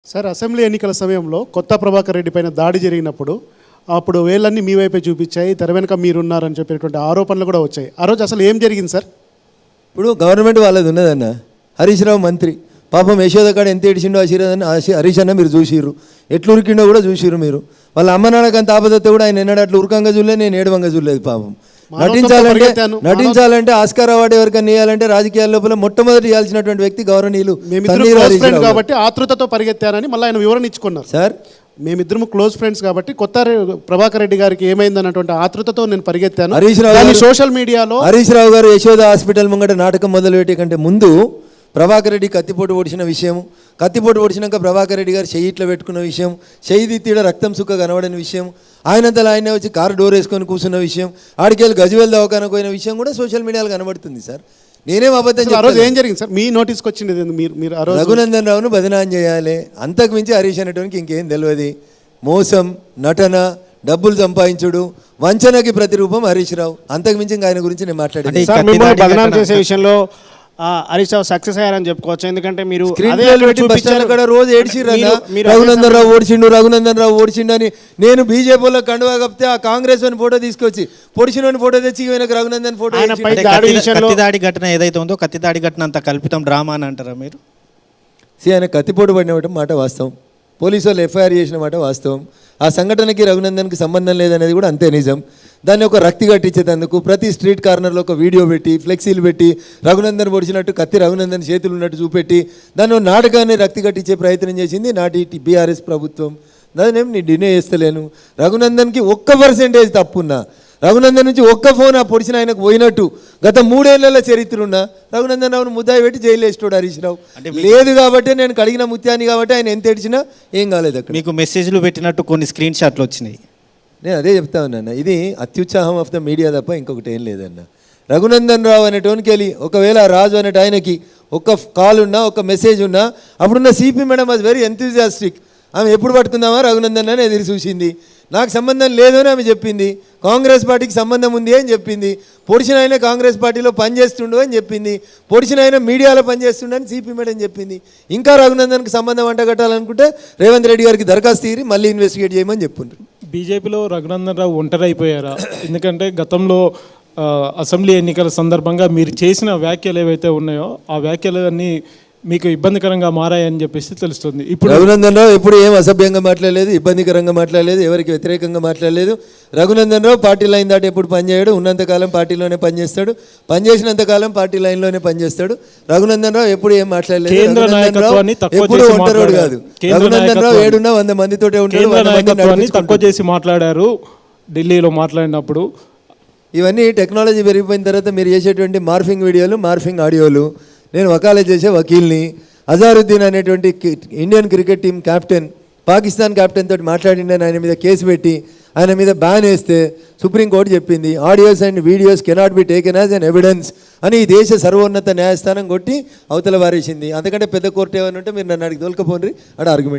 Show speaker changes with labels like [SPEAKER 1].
[SPEAKER 1] Sir, assembly ఎన్నికల సమయంలో కొత్త ప్రభాకర్ రెడ్డి పైన దాడి జరిగినప్పుడు అప్పుడు వేళ్ళన్నీ మీ వైపే చూపించాయి, తెర వెనుక మీరున్నారని చెప్పేటువంటి ఆరోపణలు కూడా వచ్చాయి. ఆ రోజు అసలు ఏం జరిగింది సార్?
[SPEAKER 2] ఇప్పుడు గవర్నమెంట్ వాళ్ళది ఉన్నదన్న. హరీష్ రావు మంత్రి పాపం యశోద కాడ ఎంత ఏడిచిండో హరీష్ అన్న మీరు చూసిర్రు, ఎట్లు ఉరికిండో కూడా చూసిర్రు మీరు. వాళ్ళ అమ్మ నాన్నకు అంత ఆపదత్తే కూడా ఆయన ఎన్నడూ అట్లా ఉరకంగా చూడలేదు, నేను ఏడవంగా చూడలేదు. పాపం నటించాలంటే ఆస్కార్ అవార్డు ఎవరికైనా ఇవ్వాలంటే రాజకీయాల లోపల మొట్టమొదటి ఇవ్వాల్సినటువంటి వ్యక్తి గౌరవనీయులు
[SPEAKER 1] కాబట్టి ఆతృతతో పరిగెత్తారని మళ్ళీ ఆయన వివరణ ఇచ్చుకున్నారు.
[SPEAKER 2] సార్,
[SPEAKER 1] మేమిద్దరు క్లోజ్ ఫ్రెండ్స్ కాబట్టి కొత్త ప్రభాకర్ రెడ్డి గారికి ఏమైందన్నటువంటి ఆతృతతో నేను పరిగెత్తాను.
[SPEAKER 2] హరీష్ రావు
[SPEAKER 1] సోషల్ మీడియాలో
[SPEAKER 2] హరీష్ రావు గారు యశోద హాస్పిటల్ ముంగట నాటకం మొదలుపెట్టే కంటే ముందు ప్రభాకర్ రెడ్డి కత్తిపోటు పొడిచిన విషయం, కత్తిపోటు పొడిచినాక ప్రభాకర్ రెడ్డి గారు చెయ్యి ఇట్లా పెట్టుకున్న విషయం, చెయ్యి తీడ రక్తం సుక్క కనబడిన విషయం, ఆయనంతలో ఆయనే వచ్చి కారు డోర్ వేసుకొని కూర్చున్న విషయం, ఆడికెళ్ళి గజవేల్ దవాఖానకు పోయిన విషయం కూడా సోషల్ మీడియాలో కనబడుతుంది. సార్, నేనేం అబద్ధం
[SPEAKER 1] ఆ రోజు ఏం జరిగింది సార్? మీ నోటీస్కి వచ్చింది మీరు
[SPEAKER 2] రఘునందన్ రావును బదనాం చేయాలి, అంతకు మించి హరీష్ అనేటువంటి ఇంకేం తెలియదు. మోసం, నటన, డబ్బులు సంపాదించుడు, వంచనకి ప్రతిరూపం హరీష్ రావు. అంతకు మించి ఇంకా ఆయన గురించి నేను
[SPEAKER 3] మాట్లాడాను. చేసే విషయంలో హరీష్ రావు సక్సెస్ అయ్యారని చెప్పుకోవచ్చు. ఎందుకంటే మీరు
[SPEAKER 2] రోజు ఏడ్చిర్రు, రఘునందన్ రావు ఓడిచిండు, రఘునందన్ రావు ఓడిచిండు అని. నేను బీజేపీలో కండువా కప్పితే ఆ కాంగ్రెస్ అని ఫోటో తీసుకొచ్చి పొడిచిన ఫోటో తెచ్చి రఘునందన్ ఫోటో.
[SPEAKER 3] కత్తిదాడి ఘటన ఏదైతే ఉందో కత్తిదాడి ఘటన అంత కల్పితం డ్రామా అని అంటారా మీరు?
[SPEAKER 2] ఆయన కత్తిపోటు పడిన మాట వాస్తవం, పోలీసు వాళ్ళు ఎఫ్ఐఆర్ చేసిన మాట వాస్తవం. ఆ సంఘటనకి రఘునందన్కి సంబంధం లేదనేది కూడా అంతే నిజం. దాన్ని ఒక రక్తి కట్టించేందుకు ప్రతి స్ట్రీట్ కార్నర్లో ఒక వీడియో పెట్టి, ఫ్లెక్సీలు పెట్టి, రఘునందన్ పొడిచినట్టు కత్తి రఘునందన్ చేతులు ఉన్నట్టు చూపెట్టి దాన్ని నాటకాన్ని రక్తి కట్టించే ప్రయత్నం చేసింది నాటి బీఆర్ఎస్ ప్రభుత్వం. దాన్నేం నేను డినే చేస్తలేను. రఘునందన్కి 1% తప్పున్నా, రఘునందన్ నుంచి ఒక్క ఫోన్ ఆ పొడిచిన ఆయనకు పోయినట్టు గత 3 ఏళ్ల చరిత్ర ఉన్నా రఘునందన్ రావును ముద్దాయి పెట్టి జైలు వేస్తాడు హరీష్ రావు. లేదు కాబట్టి నేను కడిగిన ముత్యాన్ని కాబట్టి ఆయన ఎంత ఏడిచినా ఏం కాలేదు. అక్కడ
[SPEAKER 3] మీకు మెసేజ్లు పెట్టినట్టు కొన్ని స్క్రీన్ షాట్లు వచ్చినాయి.
[SPEAKER 2] నేను అదే చెప్తా ఉన్నాను, ఇది అత్యుత్సాహం ఆఫ్ ద మీడియా తప్ప ఇంకొకటి ఏం లేదన్న. రఘునందన్ రావు అనేటోనికి వెళ్ళి ఒకవేళ రాజు అనేట ఆయనకి ఒక కాల్ ఉన్నా, ఒక మెసేజ్ ఉన్నా, అప్పుడున్న CP madam was very enthusiastic. ఆమె ఎప్పుడు పట్టుకుందామా రఘునందన్ అని ఎదురు చూసింది. నాకు సంబంధం లేదు అని ఆమె చెప్పింది. కాంగ్రెస్ పార్టీకి సంబంధం ఉంది అని చెప్పింది. పొడిచిన ఆయన కాంగ్రెస్ పార్టీలో పనిచేస్తుండు అని చెప్పింది. పొడిచిన ఆయన మీడియాలో పనిచేస్తుండు అని సిపి మేడం చెప్పింది. ఇంకా రఘునందన్కి సంబంధం అంటగట్టాలనుకుంటే రేవంత్ రెడ్డి గారికి దరఖాస్తు తీరి మళ్ళీ ఇన్వెస్టిగేట్ చేయమని చెప్పుండ్రు.
[SPEAKER 4] బీజేపీలో రఘునందన్ రావు ఒంటరి అయిపోయారా? ఎందుకంటే గతంలో అసెంబ్లీ ఎన్నికల సందర్భంగా మీరు చేసిన వ్యాఖ్యలు ఏవైతే ఉన్నాయో ఆ వ్యాఖ్యలన్నీ మీకు ఇబ్బందికరంగా మారాయని చెప్పేసి తెలుస్తుంది. ఇప్పుడు
[SPEAKER 2] రఘునందన్ రావు ఎప్పుడు ఏం అసభ్యంగా మాట్లాడలేదు, ఇబ్బందికరంగా మాట్లాడలేదు, ఎవరికి వ్యతిరేకంగా మాట్లాడలేదు. రఘునందన్ రావు పార్టీ లైన్ దాటి ఎప్పుడు పనిచేయడు, ఉన్నంతకాలం పార్టీలోనే పనిచేస్తాడు, పనిచేసినంతకాలం పార్టీ లైన్లోనే పనిచేస్తాడు. రఘునందన్ రావు ఎప్పుడు ఏం మాట్లాడలేదు. ఎప్పుడు ఒంటరోడు కాదు. రఘునందన్ రావు 700 మందితోటే ఉంటాడు.
[SPEAKER 4] తక్కువ చేసి మాట్లాడారు ఢిల్లీలో మాట్లాడినప్పుడు.
[SPEAKER 2] ఇవన్నీ టెక్నాలజీ పెరిగిపోయిన తర్వాత మీరు చేసేటువంటి మార్ఫింగ్ వీడియోలు, మార్ఫింగ్ ఆడియోలు. నేను వకాలత్ చేసే వకీల్ని. అజారుద్దీన్ అనేటువంటి Indian cricket team captain Pakistan captain తోటి మాట్లాడిండని ఆయన మీద కేసు పెట్టి ఆయన మీద బ్యాన్ వేస్తే సుప్రీంకోర్టు చెప్పింది audios and videos cannot be taken as an evidence అని ఈ దేశ సర్వోన్నత న్యాయస్థానం కొట్టి అవతల వారేసింది. అంతకంటే పెద్ద కోర్టు ఏమని ఉంటే మీరు నన్ను అడిగి తోలుకపోండి అక్కడ ఆర్గ్యుమెంట్.